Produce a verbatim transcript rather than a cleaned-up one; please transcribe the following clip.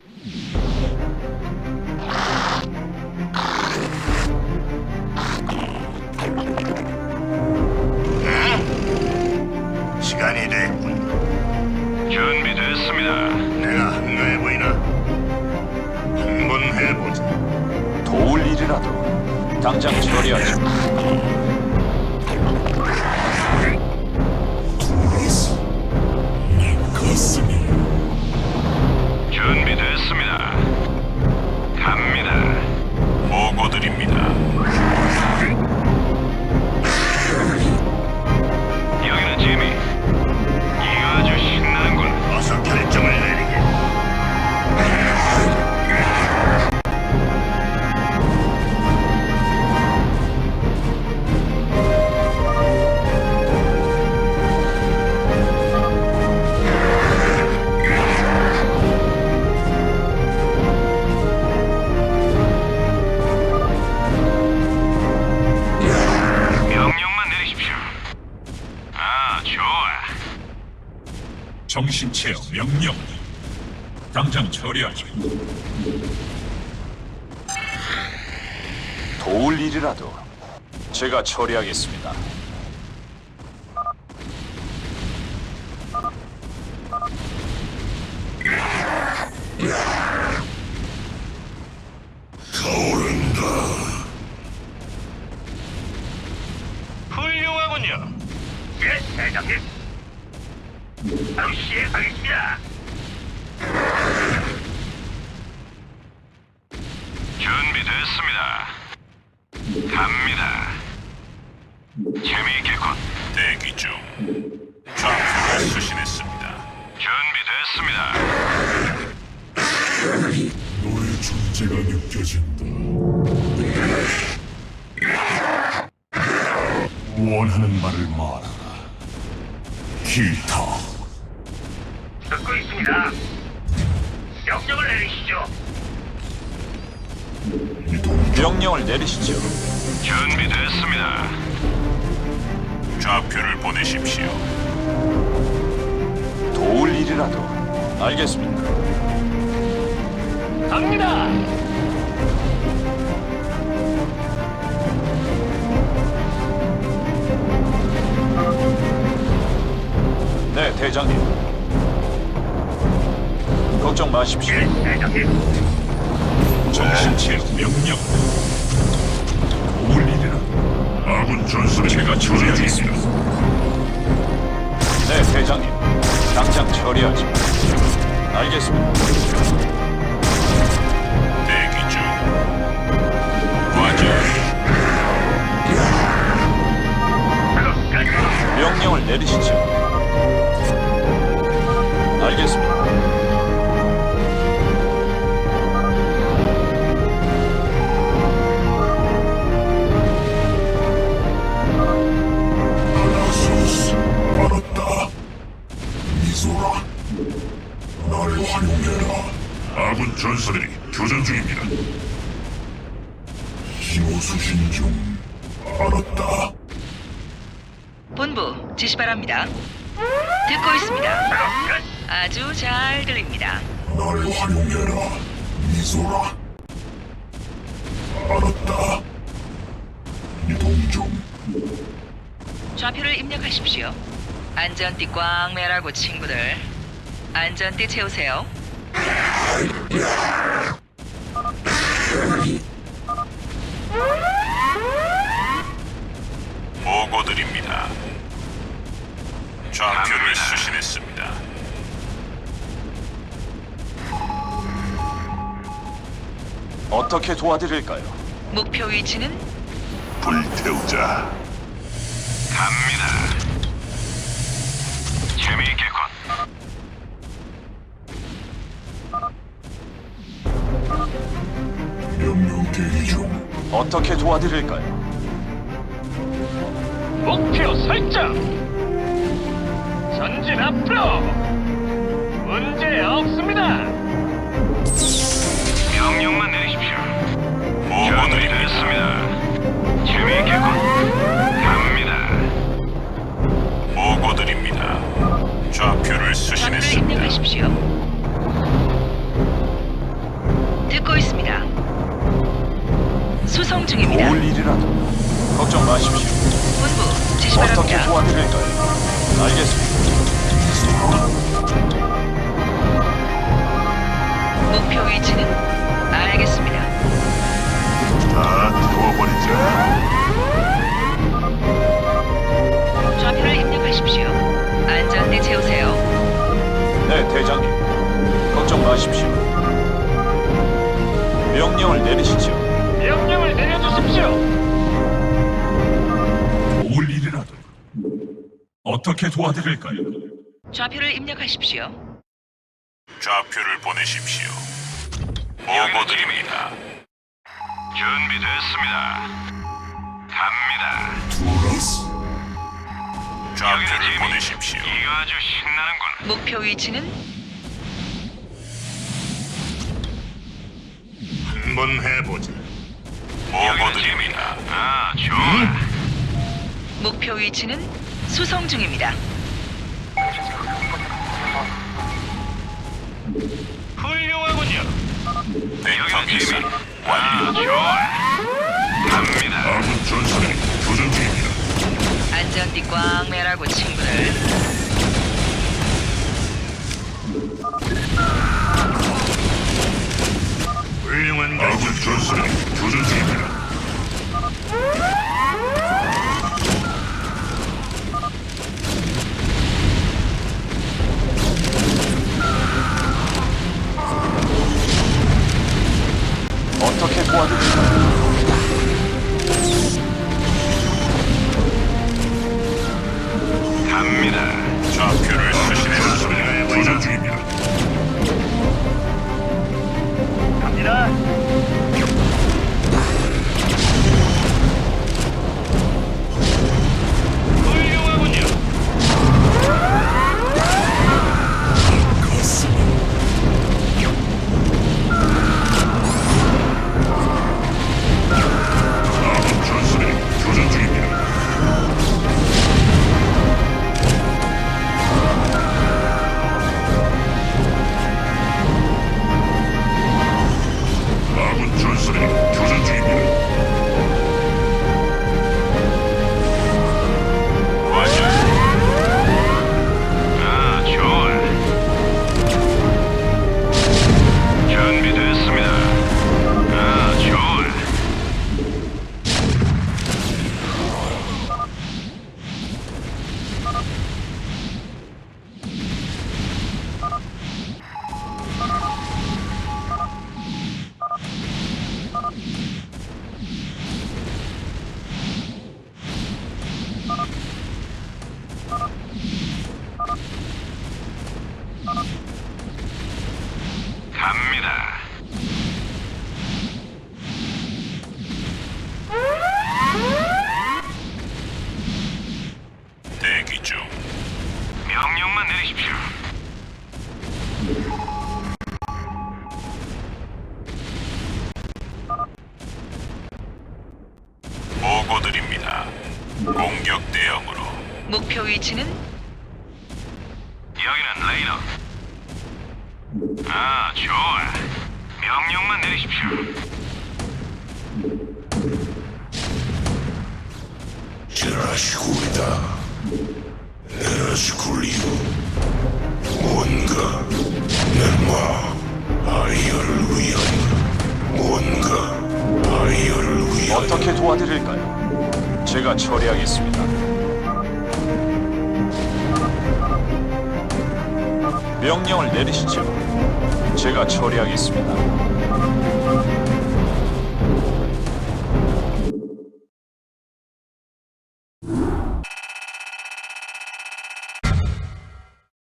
시간이 됐군. 준비됐습니다. 내가 한가해 보이나? 한번 해보자. 도울 일이라도 당장 처리하지. 준비됐습니다. 갑니다. 보고드립니다. 여기는 지미. 이거 아주 신나는군. 어서 결정을 내리게. 명령만 내리십시오. 아, 좋아. 정신체어 명령. 당장 처리하지. 도울 일이라도 제가 처리하겠습니다. 훌륭하군요. 예, 대장님. 바로 시행하겠습니다. 준비됐습니다. 갑니다. 재미있겠군. 대기 중. 좌표를 수신했습니다. 준비됐습니다. 너의 존재가 느껴진다. 원하는 말을 말하라. 기타. 듣고 있습니다. 명령을 내리시죠. 명령을 내리시죠. 준비됐습니다. 좌표를 보내십시오. 도울 일이라도 알겠습니다. 갑니다. 네, 대장님. 걱정 마십시오. 예, 대장님. 정신체어 명령. 도울 일이라. 아군 전술을 제가 처리하겠습니다. 네, 대장님. 당장 처리하지. 알겠습니다. 대기 중. 과제. 명령을 내리시죠. 알겠습니다. 알았어. 알았다. 미소라. 나를 활용해라. 아군 전사들이 교전 중입니다. 신호 수신 중. 알았다. 본부 지시 바랍니다. 듣고 있습니다. 아주 잘 들립니다. 나를 활용해라. 미소라. 알았다. 이동 중. 좌표를 입력하십시오. 안전띠 꽝 매라고 친구들. 안전띠 채우세요. 보고드립니다. 좌표를 갑니다. 수신했습니다. 어떻게 도와드릴까요? 목표 위치는 불태우자. 갑니다. 재미있겠군. 명령 대기 중. 어떻게 도와드릴까요? 목표 설정. 전진 앞으로. 문제 없습니다. 명령만 내리십시오. 준비됐습니다. 재미있겠군. 갑니다. 보고드립니다. 좌표를 좌표를 수신했습니다. 입력하십시오. 듣고 있습니다. 수송 중입니다. 도울 일이라도 걱정 마십시오. 본부 지시 어떻게 바랍니다. 도와드릴까요? 알겠습니다. 목표 위치는 알겠습니다. 다 태워버리자. 좌표를 입력하십시오. 안전대 채우세요. 네, 대장님. 걱정 마십시오. 명령을 내리시죠. 명령을 내려주십시오. 도울 일이라도 어떻게 도와드릴까요? 좌표를 입력하십시오. 좌표를 보내십시오. 보고 드립니다. 준비됐습니다. 갑니다. 좌표를 보내십시오. 이거 아주 신나는군. 목표 위치는 한번 해보자. 보고 드립니다. 아, 좋아. 목표 위치는 수송 중입니다. 훌륭하군요. 벡터 이상 아, 완료. 좋아. 갑니다. 아군 전선이 교전 중입니다. 안전띠 꽝 매라고 친구들. 훌륭한 아군 전선이 교전 중입니다. 어떻게 도와드릴까요? 갑니다. 좌표를 수신해 전선이 교전 중입니다. 갑니다. 훌륭하군요. 아군 전선이 교전 중입니다. 아군 전선이 교전 중입니다. 완료. 아, 좋아. 준비됐습니다. 아, 좋아. 갑니다. 대기 중. 명령만 내리십시오. 보고 드립니다. 공격 대응으로 목표 위치는 여기는 레이너. 아, 좋아. 명령만 내리십시오. 제라시쿨이다. 에라시쿨이요. 뭔가 넷마 아이어를 위한 뭔가 아이어를 위한 어떻게 도와드릴까요? 제가 처리하겠습니다. 명령을 내리시죠. 제가 처리하겠습니다.